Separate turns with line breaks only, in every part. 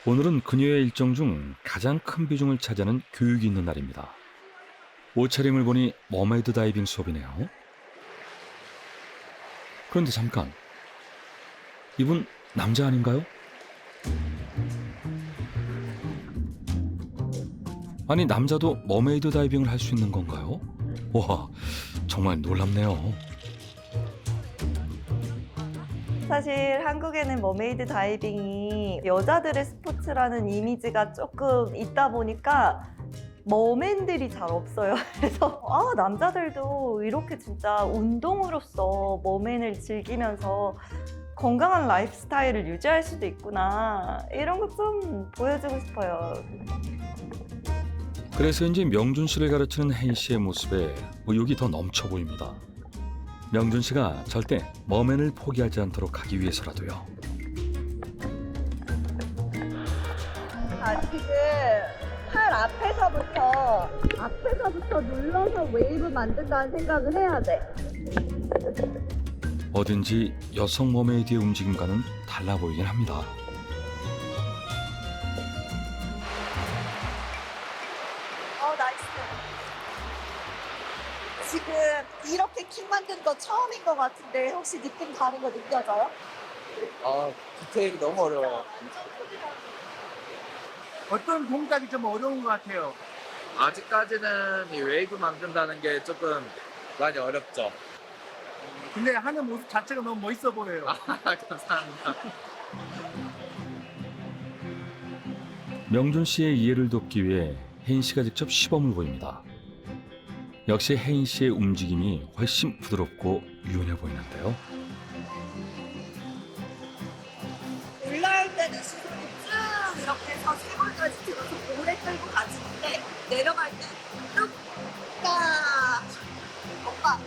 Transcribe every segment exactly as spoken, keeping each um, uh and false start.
오늘은 그녀의 일정 중 가장 큰 비중을 차지하는 교육이 있는 날입니다. 옷차림을 보니 머메이드 다이빙 수업이네요. 그런데 잠깐, 이분 남자 아닌가요? 아니, 남자도 머메이드 다이빙을 할 수 있는 건가요? 와, 정말 놀랍네요.
사실 한국에는 머메이드 다이빙이 여자들의 스포츠라는 이미지가 조금 있다 보니까 머맨들이 잘 없어요. 그래서 아, 남자들도 이렇게 진짜 운동으로서 머맨을 즐기면서 건강한 라이프 스타일을 유지할 수도 있구나, 이런 거 좀 보여주고 싶어요.
그래서인지 명준 씨를 가르치는 혜인 씨의 모습에 의욕이 더 넘쳐 보입니다. 명준 씨가 절대 머맨을 포기하지 않도록 하기 위해서라도요.
아, 지금 팔 앞에서부터 앞에서부터 눌러서 웨이브 만든다는 생각을 해야 돼.
어딘지 여성 머메이드의 움직임과는 달라 보이긴 합니다.
어, 나이스. 지금 이렇게 킥 만든 거 처음인 것 같은데 혹시 느낌 다른 거 느껴져요?
아, 디테일이 너무 어려워.
어떤 동작이 좀 어려운 것 같아요.
아직까지는 이 웨이브 만든다는 게 조금 많이 어렵죠.
근데 하는 모습 자체가 너무 멋있어 보여요.
아, 감사합니다.
명준 씨의 이해를 돕기 위해 혜인 씨가 직접 시범을 보입니다. 역시 혜인 씨의 움직임이 훨씬 부드럽고 유연해 보이는데요.
올라올 때는 시선이 쭉 이렇게 해서 세 번까지 들어서 오래 끌고 가지는데 내려갈 때 뚝딱. 오빠.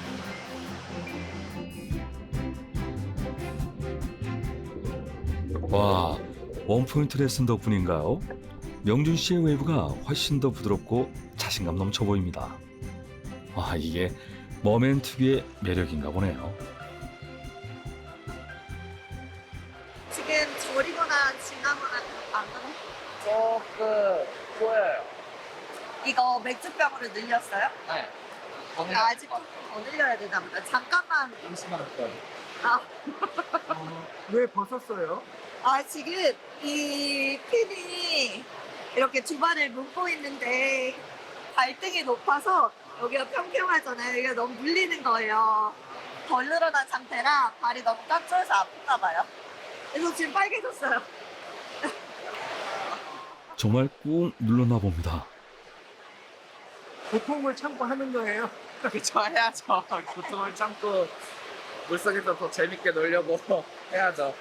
와, 원포인트 레슨 덕분인가요? 명준 씨의 웨이브가 훨씬 더 부드럽고 자신감 넘쳐 보입니다. 아, 이게 머맨 특유의 매력인가 보네요.
지금 저리거나 지나거나 안 하나?
조금 보여요.
이거 맥주병으로 늘렸어요?
네.
아, 아직 좀 더 늘려야 되나 보다. 잠깐만.
잠시만 할게요.
아,
어, 왜 벗었어요?
아, 지금 이 핀이 이렇게 주반을 묶고 있는데 발등이 높아서 여기가 평평하잖아요. 이게 너무 물리는 거예요. 덜 늘어난 상태라 발이 너무 깍져서 아픈가 봐요. 그래서 지금 빨개졌어요.
정말 꾹 눌렀나 봅니다.
고통을 참고 하는 거예요.
그쵸, 해야죠. 고통을 참고 물속에서 더 재밌게 놀려고 해야죠.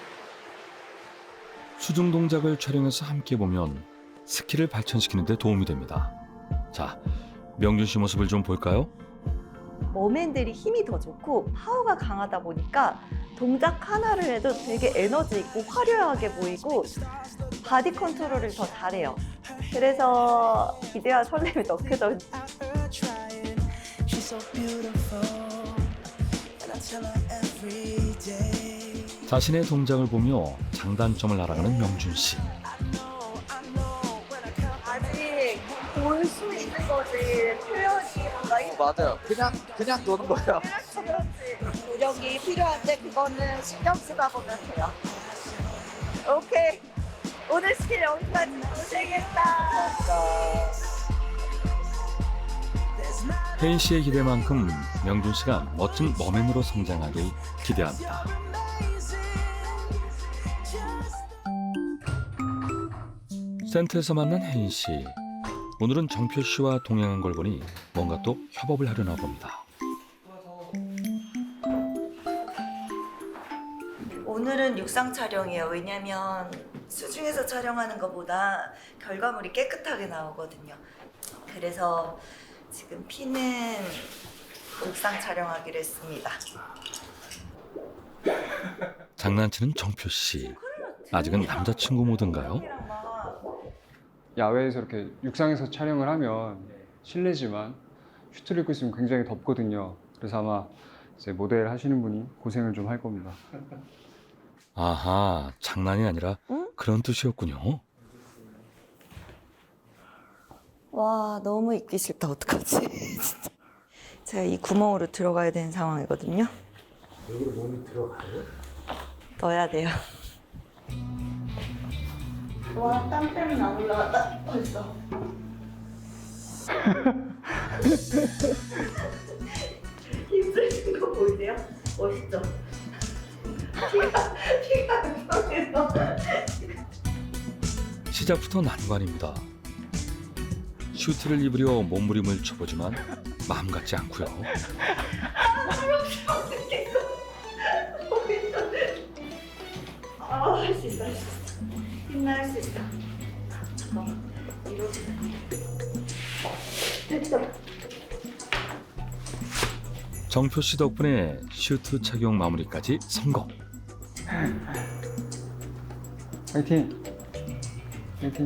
수중 동작을 촬영해서 함께 보면 스킬을 발전시키는 데 도움이 됩니다. 자, 명준 씨 모습을 좀 볼까요?
머맨들이 힘이 더 좋고 파워가 강하다 보니까 동작 하나를 해도 되게 에너지 있고 화려하게 보이고 바디 컨트롤을 더 잘해요. 그래서 기대와 설렘이 더 크죠.
자신의 동작을 보며 장단점을 알아가는 명준 씨.
아직 볼 수 있는 거지 표현이 뭔가 힘-
맞아요. 그냥, 그냥 노는 거예요.
그렇지, 그렇지. 노력이 필요한데 그거는 신경 쓰다 보면 돼요. 오케이, 오늘 스킬 여기까지. 고생했다.
혜인 씨의 기대만큼 명준 씨가 멋진 머맨으로 성장하길 기대합니다. 센터에서 만난 혜인 씨. 오늘은 정표 씨와 동행한 걸 보니 뭔가 또 협업을 하려나 봅니다.
오늘은 육상 촬영이에요. 왜냐면 수중에서 촬영하는 것보다 결과물이 깨끗하게 나오거든요. 그래서 지금 피는 육상 촬영하기로 했습니다.
장난치는 정표 씨. 아직은 남자친구 모드인가요?
야외에서 이렇게 육상에서 촬영을 하면 실내지만 슈트를 입고 있으면 굉장히 덥거든요. 그래서 아마 이제 모델 하시는 분이 고생을 좀 할 겁니다.
아하, 장난이 아니라
응?
그런 뜻이었군요.
와, 너무 입기 싫다. 어떡하지? 진짜. 제가 이 구멍으로 들어가야 되는 상황이거든요.
여기로 몸이 들어가요?
넣어야 돼요. 와, 땀 때문에 안 올라갔다. 벌써. 힘쓰신 거 보이세요? 멋있죠? 피가, 피가 안
시작부터 난관입니다. 슈트를 입으려 몸부림을 쳐보지만 마음 같지 않고요.
아, 할 수 있어, 할 수 있어. 힘나 할 수 있어. 잠깐만, 이러지. 됐다.
정표 씨 덕분에 슈트 착용 마무리까지 성공.
화이팅! 화이팅!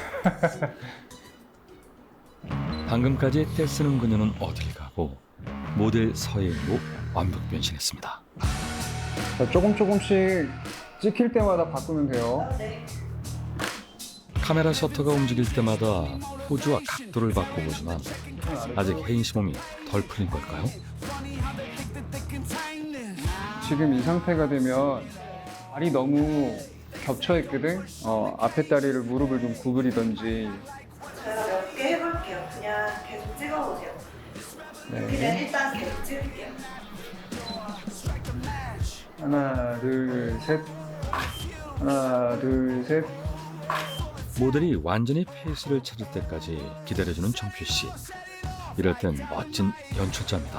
방금까지 떼쓰는 그녀는 어딜 가고 모델 서예인으로 완벽 변신했습니다.
자, 조금 조금씩 찍힐 때마다 바꾸면 돼요.
네.
카메라 셔터가 움직일 때마다 포즈와 각도를 바꿔보지만 아직 혜인 씨 몸이 덜 풀린 걸까요?
지금 이 상태가 되면 발이 너무 겹쳐 있거든. 어, 앞에 다리를 무릎을 좀 구부리던지.
제가 몇 개 해볼게요. 그냥 계속 찍어보세요. 그냥
네.
일단 계속 찍을게요.
하나, 둘, 셋. 하나, 둘, 셋.
모델이 완전히 페이스를 찾을 때까지 기다려주는 정표 씨. 이럴 땐 멋진 연출자입니다.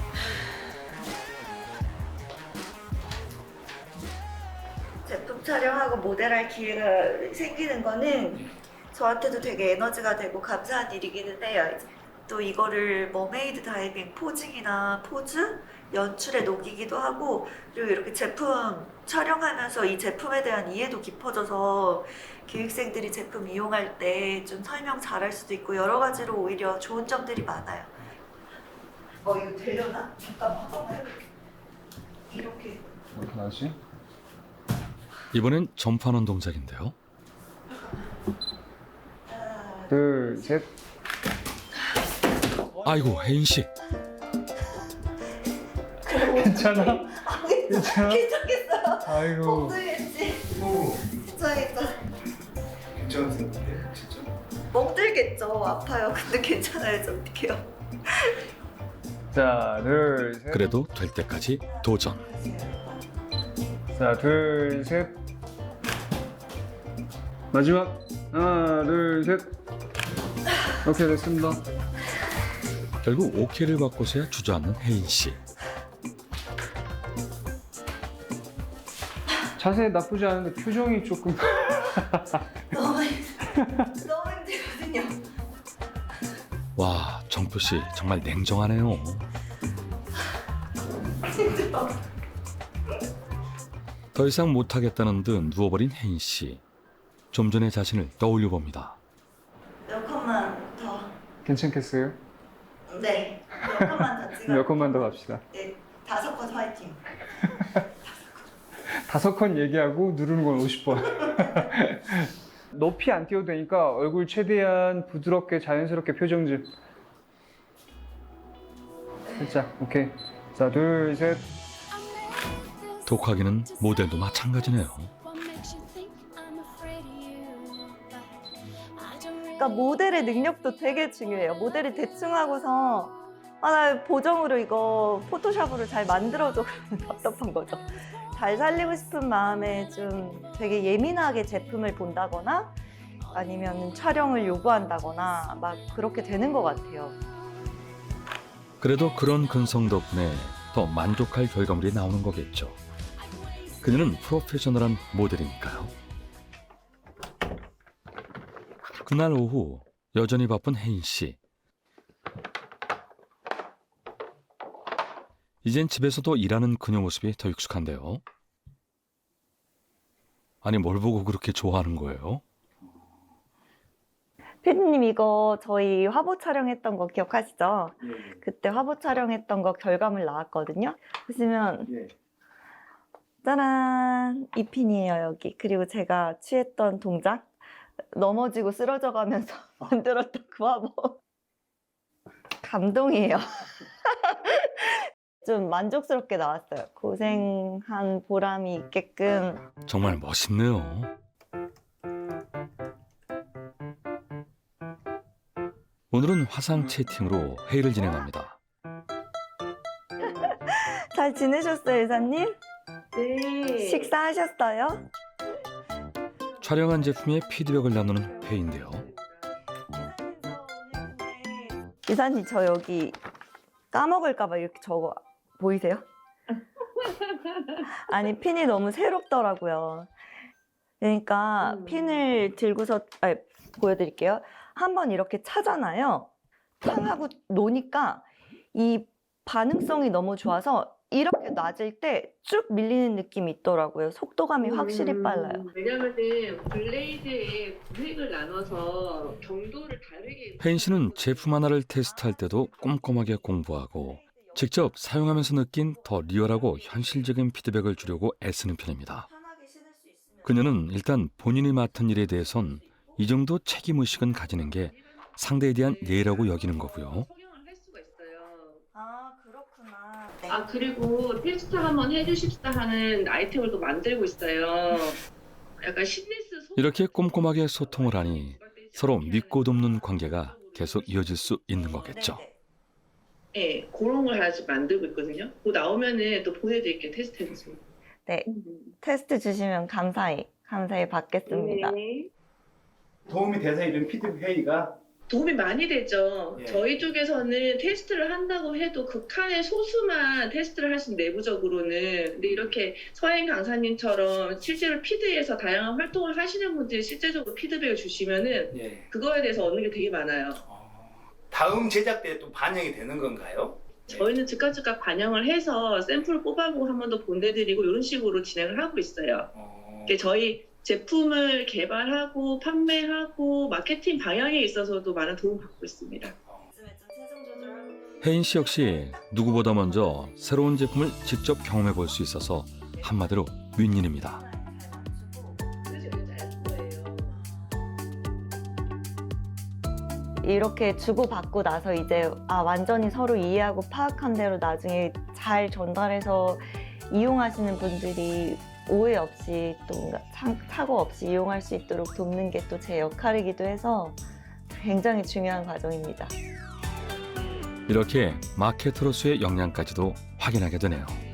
제품 촬영하고 모델할 기회가 생기는 거는 저한테도 되게 에너지가 되고 감사한 일이기는 해요. 또 이거를 머메이드 다이빙 포징이나 포즈, 연출에 녹이기도 하고, 그리고 이렇게 제품 촬영하면서 이 제품에 대한 이해도 깊어져서 기획생들이 제품 이용할 때 좀 설명 잘할 수도 있고 여러 가지로 오히려 좋은 점들이 많아요. 어, 이거 되려나? 잠깐만 한번 해볼게. 이렇게.
이렇게 나지?
이번엔 점프하는 동작인데요.
하나,
둘, 셋.
아이고 혜인 씨.
괜찮아? 괜찮아?
괜찮겠어요.
아이고.
멍들겠지. 괜찮겠다.
괜찮으세요? 진짜?
멍들겠죠. 아파요. 근데 괜찮아야죠. 어떡해요.
자, 둘, 셋.
그래도 될 때까지 도전.
자, 둘, 셋. 마지막. 하나, 둘, 셋. 오케이, 됐습니다.
결국 오케이를 받고서야 주저앉는 혜인 씨.
자세 나쁘지 않은데 표정이 조금.
너무 힘- 너무 힘들거든요.
와 정표 씨 정말 냉정하네요.
힘들어.
더 이상 못하겠다는 듯 누워버린 혜인 씨. 좀 전의 자신을 떠올려 봅니다.
몇 컷만 더.
괜찮겠어요?
네. 몇 컷만 더 찍어.
몇 컷만 더 갑시다.
네. 다섯 컷 화이팅.
다섯 컷 얘기하고 누르는 건 오십 번. 높이 안 띄워도 되니까 얼굴 최대한 부드럽게 자연스럽게 표정 좀. 살짝, 오케이. 자, 둘, 셋.
독하기는 모델도 마찬가지네요.
그러니까 모델의 능력도 되게 중요해요. 모델이 대충 하고서 아, 나 보정으로 이거 포토샵으로 잘 만들어줘. 그러면 답답한 거죠. 잘 살리고 싶은 마음에 좀 되게 예민하게 제품을 본다거나 아니면 촬영을 요구한다거나 막 그렇게 되는 것 같아요.
그래도 그런 근성 덕분에 더 만족할 결과물이 나오는 거겠죠. 그녀는 프로페셔널한 모델이니까요. 그날 오후 여전히 바쁜 혜인 씨. 이젠 집에서도 일하는 그녀 모습이 더 익숙한데요. 아니 뭘 보고 그렇게 좋아하는 거예요?
피디님 이거 저희 화보 촬영했던 거 기억하시죠?
예.
그때 화보 촬영했던 거 결과물 나왔거든요. 보시면
예.
짜란! 이 핀이에요, 여기. 그리고 제가 취했던 동작. 넘어지고 쓰러져 가면서 만들었던 그 화보. 감동이에요. 좀 만족스럽게 나왔어요. 고생한 보람이 있게끔.
정말 멋있네요. 오늘은 화상 채팅으로 회의를 진행합니다.
잘 지내셨어요, 이사님?
네.
식사하셨어요?
촬영한 제품의 피드백을 나누는 회의인데요.
이사님, 저 여기 까먹을까봐 이렇게 적어 보이세요? 아니, 핀이 너무 새롭더라고요. 그러니까
음.
핀을 들고서, 아니, 보여드릴게요. 한번 이렇게 차잖아요. 탕 하고 노니까 이 반응성이 너무 좋아서 이렇게 놔질 때 쭉 밀리는 느낌이 있더라고요. 속도감이 확실히
음,
빨라요.
왜냐면은 블레이드의 구획을 나눠서 경도를 다르게
혜인 씨는 제품 하나를 테스트할 때도 꼼꼼하게 공부하고 직접 사용하면서 느낀 더 리얼하고 현실적인 피드백을 주려고 애쓰는 편입니다. 그녀는 일단 본인이 맡은 일에 대해선 이 정도 책임의식은 가지는 게 상대에 대한 예의라고 여기는 거고요.
성형을 할 수가 있어요.
아, 그렇구나.
아 그리고 테스트 한번 해주십사 하는 아이템을 또 만들고 있어요. 약간 시네스 소...
이렇게 꼼꼼하게 소통을 하니 서로 믿고 돕는 관계가 계속 이어질 수 있는 거겠죠.
네, 그런 걸 아직 만들고 있거든요. 그거 나오면은 또 보내드릴게요. 테스트해서.
네, 테스트 주시면 감사히, 감사히 받겠습니다.
네.
도움이 돼서 이런 피드백 회의가
도움이 많이 되죠.
예.
저희 쪽에서는 테스트를 한다고 해도 극한의 소수만 테스트를 하신 내부적으로는. 근데 이렇게 서행 강사님처럼 실제로 피드에서 다양한 활동을 하시는 분들이 실제적으로 피드백을 주시면은
예.
그거에 대해서 얻는 게 되게 많아요.
어, 다음 제작 때 또 반영이 되는 건가요?
저희는 즉각 즉각 반영을 해서 샘플을 뽑아보고 한 번 더 보내드리고 이런 식으로 진행을 하고 있어요.
어,
이게 저희 제품을 개발하고 판매하고 마케팅 방향에 있어서도 많은 도움을 받고 있습니다.
혜인 씨 역시 누구보다 먼저 새로운 제품을 직접 경험해 볼 수 있어서 한마디로 윈윈입니다.
이렇게 주고받고 나서 이제 아 완전히 서로 이해하고 파악한 대로 나중에 잘 전달해서 이용하시는 분들이 오해 없이 또 뭔가 참- 사고 없이 이용할 수 있도록 돕는 게 또 제 역할이기도 해서 굉장히 중요한 과정입니다.
이렇게 마케터로서의 역량까지도 확인하게 되네요.